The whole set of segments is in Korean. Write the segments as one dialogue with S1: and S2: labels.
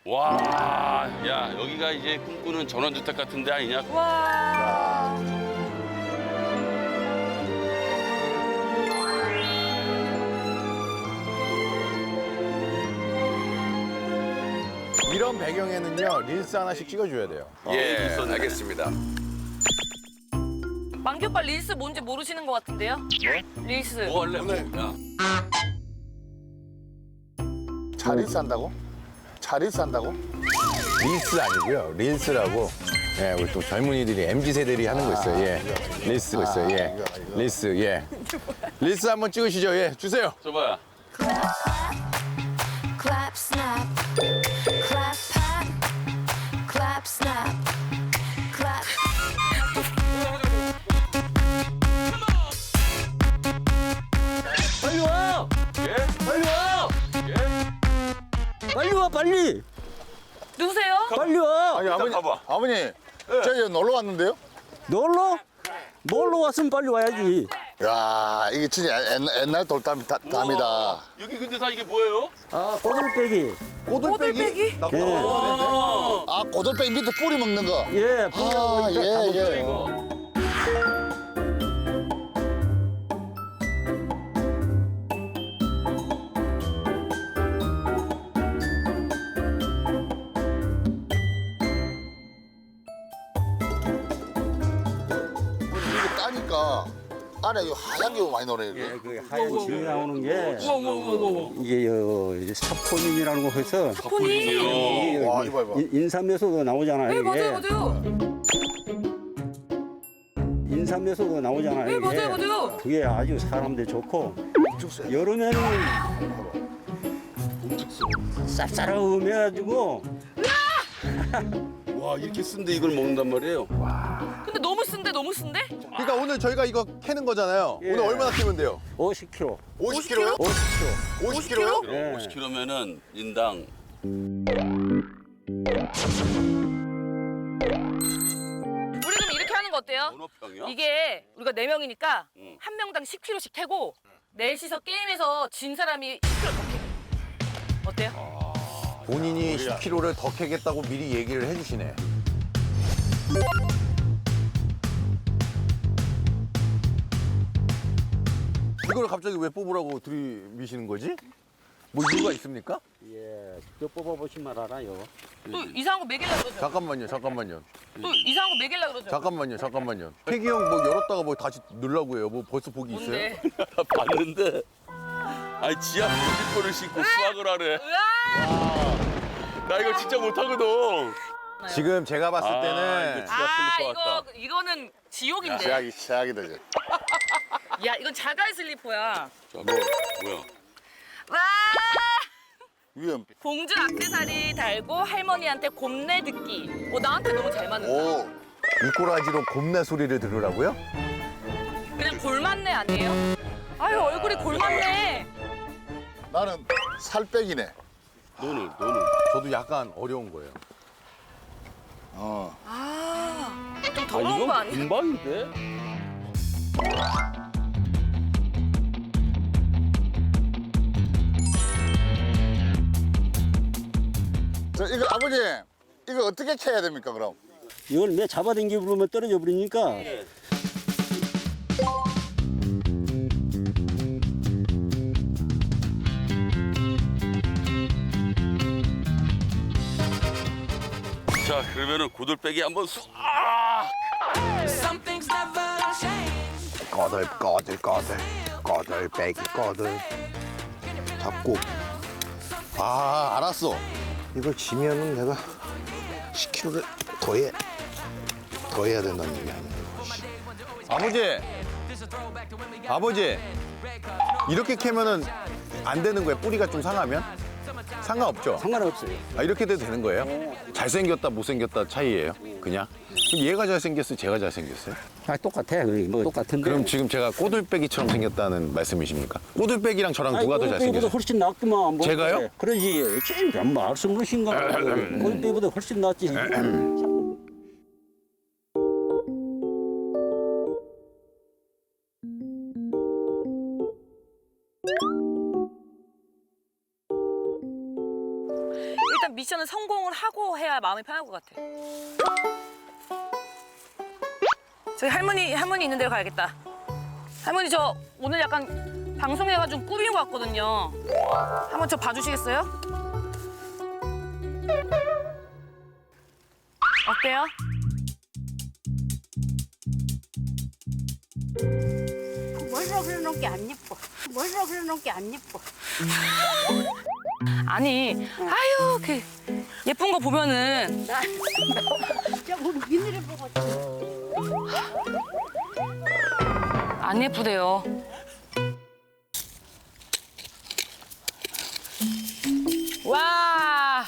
S1: 와, 야, 여기가 이제 꿈꾸는 전원주택 같은 데 아니냐?
S2: 와.
S3: 이런 배경에는요 릴스 하나씩 찍어줘야 돼요.
S1: 예,
S4: 알겠습니다.
S2: 만기 오빠 릴스 뭔지 모르시는 것 같은데요? 릴스.
S1: 뭐 할래? 뭐? 야,
S3: 차 릴스 한다고? 차 릴스 한다고? 릴스 아니고요 릴스라고. 예, 우리 또 젊은이들이 MZ 세대들이 하는 거 있어요. 예, 릴스 있어요. 예, 릴스 예. 릴스 한번 찍으시죠. 예, 주세요.
S1: 줘봐요.
S5: Clap, snap, clap, pat, clap, snap, clap.
S6: 빨리 와!
S1: 예?
S6: 빨리 와!
S1: 예?
S6: 빨리 와, 빨리!
S2: 누구세요?
S6: 빨리 와!
S3: 아니 아버님,
S1: 가봐.
S3: 아버님, 저희 놀러 왔는데요.
S6: 놀러? 놀러 왔으면 빨리 와야지.
S3: 야, 이게 진짜 옛날 돌담이다.
S1: 여기 근데 다 이게 뭐예요?
S6: 아, 꼬들빼기.
S2: 꼬들빼기?
S6: 예,
S3: 아, 고돌빼기 밑에 뿌리 먹는 거.
S6: 예,
S3: 아, 예, 예.
S1: 이거.
S3: 이게 따니까 안에 이 하얀 게 많이 노네. 이게.
S6: 예, 그 하얀 징이 나오는 게
S2: 우와.
S6: 이게 사포닌이라는 거 해서
S2: 폰이.
S3: 와, 이거 봐.
S6: 인삼에서도 나오잖아요,
S2: 네,
S6: 이게.
S2: 맞아요, 맞아요.
S6: 인삼에서도 나오잖아요,
S2: 네,
S6: 이게.
S2: 맞아요, 맞아요.
S6: 그게 아주 사람들 좋고 여름에는 쌉싸름해가지고
S1: 와, 이렇게 쓴데 이걸 먹는단 말이에요?
S2: 근데 너무 쓴데, 너무 쓴데?
S3: 그러니까 오늘 저희가 이거 캐는 거잖아요.
S6: 예.
S3: 오늘 얼마나 캐면 돼요?
S6: 50kg.
S3: 50kg요?
S6: 50kg.
S3: 50kg요?
S6: 예.
S1: 50kg면은 인당
S2: 우리 그럼 이렇게 하는 거 어때요?
S1: 어느 평이야?
S2: 이게 우리가 4명이니까
S1: 응.
S2: 한 명당 10kg씩 캐고 넷이서 게임에서 진 사람이 10kg 더 캐고. 어때요?
S3: 본인이 10kg를 더 캐겠다고 미리 얘기를 해주시네. 이걸 갑자기 왜 뽑으라고 들이미시는 거지? 뭐 이유가 있습니까?
S6: 예, 직접 뽑아보시면 알아요.
S2: 또 이상한 거 먹이려고 그러죠?
S3: 잠깐만요.
S2: 또 이상한 거 먹이려고 그러죠?
S3: 잠깐만요. 태기 형 뭐 열었다가 뭐 다시 넣으려고 해요. 뭐 벌써 복이 있어요?
S2: 뭔데?
S1: 봤는데. 아니, 지하 슬리퍼를 신고 수학을 하래.
S2: 으아!
S1: 나 이거 진짜 못하거든.
S3: 지금 제가 봤을
S1: 아,
S3: 때는
S1: 이거 지하 슬리퍼 같다.
S2: 이거는 지옥인데.
S3: 최악이다. 이제.
S2: 야, 이건 자갈 슬리퍼야.
S1: 자, 뭐야?
S2: 와!
S3: 위험.
S2: 봉주 액세서리 달고 할머니한테 곰내 듣기. 나한테 너무 잘 맞는다.
S3: 오, 미꾸라지로 곰내 소리를 들으라고요?
S2: 그냥 골맞네 아니에요? 아유, 얼굴이 골맞네.
S3: 나는 살 빼기네.
S1: 너는.
S3: 저도 약간 어려운 거예요.
S2: 좀 더러운 거 아니야?
S1: 금방인데?
S3: 이거 아버지, 이거 어떻게 캐야 됩니까 그럼?
S6: 이걸 매 잡아당기고 그러면 떨어져 버리니까
S1: 자, 그러면은 고들빼기 한번
S3: 꼬들 빼기 꼬들 잡고. 아, 알았어. 이걸 지면은 내가 10kg를 더 해야 된다는 얘기 아니에요. 아버지, 이렇게 캐면은 안 되는 거예요? 뿌리가 좀 상하면? 상관없죠?
S6: 상관없어요.
S3: 아, 이렇게 돼도 되는 거예요? 잘생겼다 못생겼다 차이예요? 그냥? 그럼 얘가 잘생겼어요? 제가 잘생겼어요?
S6: 아, 똑같아. 뭐 똑같은데.
S3: 그럼 지금 제가 꼬들빼기처럼 생겼다는 말씀이십니까? 꼬들빼기랑 저랑
S6: 아니,
S3: 누가 더
S6: 꼴빼기보다
S3: 잘생겼어요?
S6: 훨씬 낫구만. 뭐
S3: 제가요?
S6: 그래. 그러지. 지금 말씀하신가? 꼴빼기보다 훨씬 낫지.
S2: 일단 미션을 성공을 하고 해야 마음이 편할 것 같아. 저기 할머니 있는 데로 가야겠다. 할머니 저 오늘 약간 방송해가지고 꾸민 것 같거든요. 한번 저 봐주시겠어요? 어때요?
S4: 뭘로 그려놓은 게 안 예뻐. 뭘로 그려놓은 게 안 예뻐.
S2: 아니, 아유 그 예쁜 거 보면은
S4: 저 우리 민우를 보고
S2: 안 예쁘대요. 와,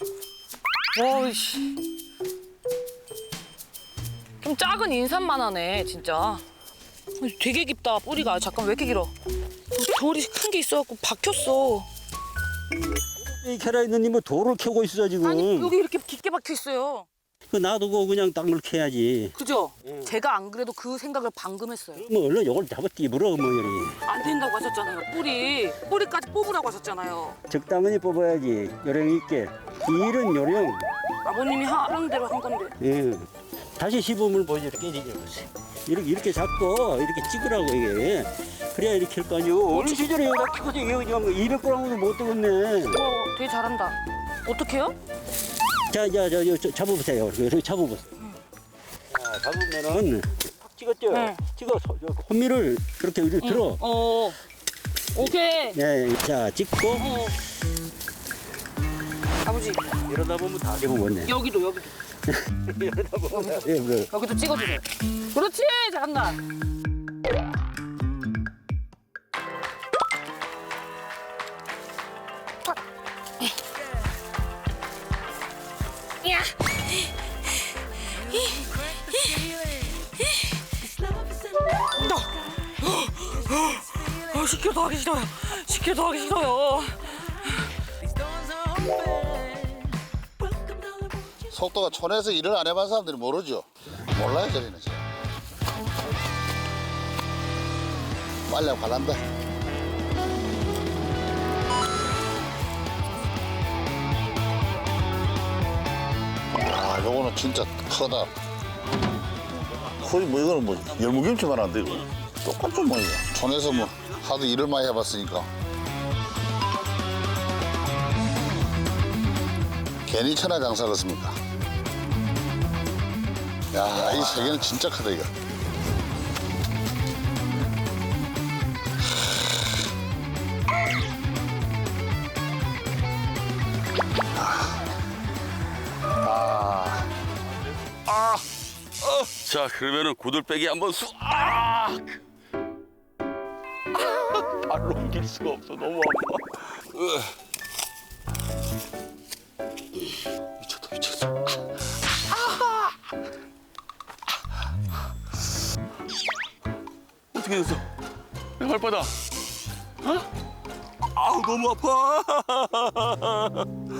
S2: 오이씨, 좀 작은 인삼만 하네 진짜. 되게 깊다 뿌리가. 잠깐 왜 이렇게 길어? 돌이 큰 게 있어갖고 박혔어.
S6: 이 캐라 있는 뭐 돌을 캐고 있어 지금.
S2: 아니 여기 이렇게 깊게 박혀 있어요.
S6: 그 놔두고 그냥 땅을 캐야지.
S2: 그죠? 제가 안 그래도 그 생각을 방금 했어요.
S6: 뭐 얼른 요걸 잡아 띠부러 뭐 이리.
S2: 안 된다고 하셨잖아요. 뿌리까지 뽑으라고 하셨잖아요.
S6: 적당히 뽑아야지. 요령 있게. 길은 요령.
S2: 아버님이 하는 대로 한 건데.
S6: 예. 다시 시범을 보여줘. 이렇게 이렇게 잡고 이렇게 찍으라고 이게. 그래야 이렇게 할 거 아니오. 어느 시절에 여기다 키고서 이거 그냥 200g도 못 되겠네.
S2: 되게 잘한다. 어떡해요?
S6: 자, 잡아보세요. 이렇게 잡아보세요. 자, 잡으면은 탁 찍었죠?
S2: 네.
S6: 찍어서 혼미를 그렇게 들어.
S2: 오케이.
S6: 네, 자, 찍고
S2: 아버지
S6: 이러다 보면 다 잡아보네.
S2: 여기도
S6: 이러다 보면 예, 그래.
S2: 여기도 찍어주세요. 그렇지 잘한다. 야. 시키려 더 하기 싫어요. 시키려 더 하기 싫어요.
S7: 속도가 촌에서 일을 안 해본 사람들이 모르죠. 몰라요, 저리는. 빨리 하고 갈란다. 아, 요거는 진짜 크다. 거의 뭐 이거는 뭐 열무김치만 한데 이거. 똑같죠 뭐 이거. 촌에서 뭐 하도 일을 많이 해봤으니까. 괜히 천하장사겠습니까? 야, 이 세 개는 진짜 크다 이거.
S1: 자, 그러면은 고들빼기 한번 발로 옮길 수가 없어. 너무 아파. 미쳤다. 어떻게 됐어? 내 발바닥. 아우, 너무 아파.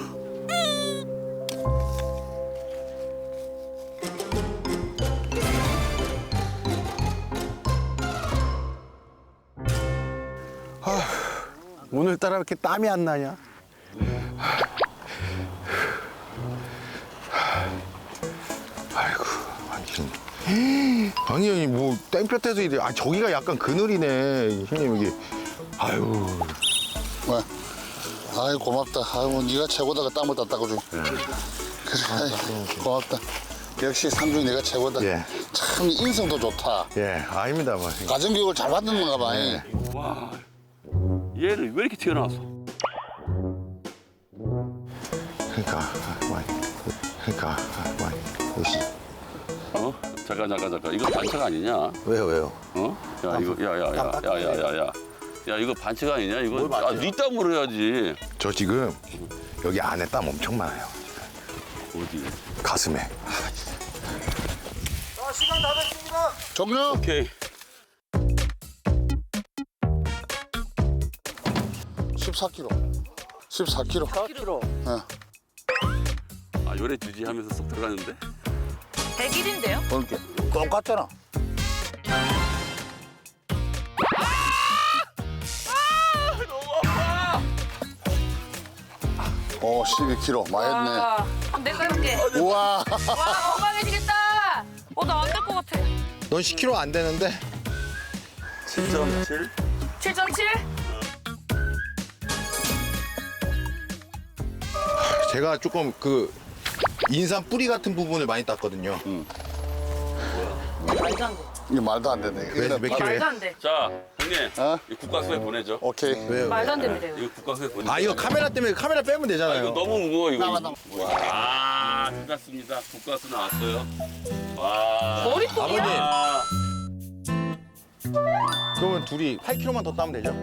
S3: 오늘따라 왜 이렇게 땀이 안 나냐? 아이고, 아니 형님 뭐 땡볕에서 이래. 아 저기가 약간 그늘이네 형님 여기. 아유.
S7: 뭐, 아이 고맙다. 아이고 네가 최고다가 땀을 다 닦아줘. 그래, 아이, 고맙다. 역시 상중이 내가 최고다.
S3: 예.
S7: 참 인성도 좋다.
S3: 예, 아닙니다 뭐.
S7: 가정교육을 잘 받는 건가 봐.
S3: 예.
S1: 와, 얘는 왜 이렇게 튀어나왔어?
S3: 그러니까 역시.
S1: 어? 잠깐. 이거 반칙 아니냐?
S3: 왜요?
S1: 어? 야, 이거, 야. 야, 이거 반칙 아니냐? 이거, 네 땀으로 해야지.
S3: 저 지금 여기 안에 땀 엄청 많아요.
S1: 어디?
S3: 가슴에.
S7: 종료.
S1: 오케이.
S7: 14kg. 14kg.
S6: 4kg.
S1: 아, 요래 주지 하면서 쏙 들어가는데?
S2: 100일인데요?
S7: 그렇게 똑같잖아.
S1: 너무 아파!
S7: 오, 12kg. 많이 했네.
S2: 와, 그럼 내가 해볼게.
S7: 우와.
S2: 와, 건강해지겠다. 나 안 될 것 같아.
S3: 넌 10kg 안 되는데?
S1: 7.7.
S2: 7.7?
S3: 제가 조금 그 인삼 뿌리 같은 부분을 많이 땄거든요.
S2: 말도 안 돼.
S7: 이게 말도 안 되네.
S3: 몇 킬로예요?
S2: 말도 안 돼.
S1: 자, 형님.
S7: 어?
S1: 이 국가수에 보내죠.
S7: 오케이.
S3: 왜요?
S2: 말도 안 됩니다. 이거.
S1: 이거 국가수에 보내죠.
S3: 아 이거 카메라 때문에 카메라 빼면
S1: 아,
S3: 되잖아요.
S1: 이거 너무 무거워, 이거.
S7: 나와, 나와.
S1: 와, 끝났습니다. 국가수 나왔어요. 와.
S2: 머리통이야?
S3: 아버님.
S1: 아,
S3: 그러면 둘이 8kg만 더 따면 되죠?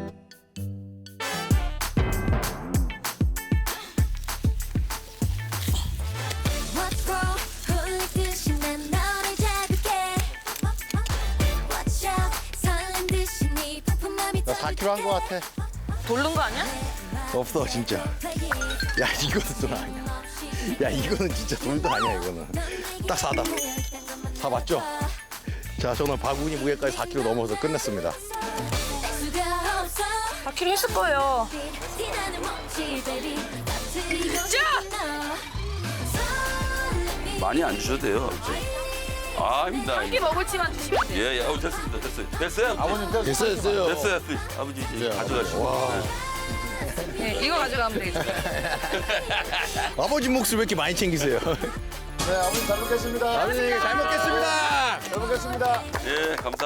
S5: What's wrong? 홀리듯이 난 너를 잡을게. Watch out. 설렌 듯이 네 폭풍함이
S3: 나 4kg 한 거 같아.
S2: 돌른 거 아니야?
S3: 없어 진짜. 야 이거는 돈 아니야. 야 이거는 진짜 돈도 아니야 이거는. 딱 4다. 4 맞죠? 자 저는 바구니 무게까지 4kg 넘어서 끝냈습니다.
S2: 4kg 했을 거예요.
S1: 많이 안 주셔도 돼요. 아닙니다.
S2: 한 끼 먹을지만 드시면 돼요.
S1: 예, 예, 됐습니다. 됐어요. 됐어요?
S7: 아버님
S3: 됐어요 됐어요.
S1: 됐어요. 아버지 이제 가져가시고.
S2: 네, 이거 가져가면 되겠죠.
S3: 아버지 몫을 왜 이렇게 많이 챙기세요?
S7: 네, 아버님 잘 먹겠습니다.
S3: 아버지 잘 먹겠습니다.
S7: 잘 먹겠습니다.
S1: 예, 감사합니다.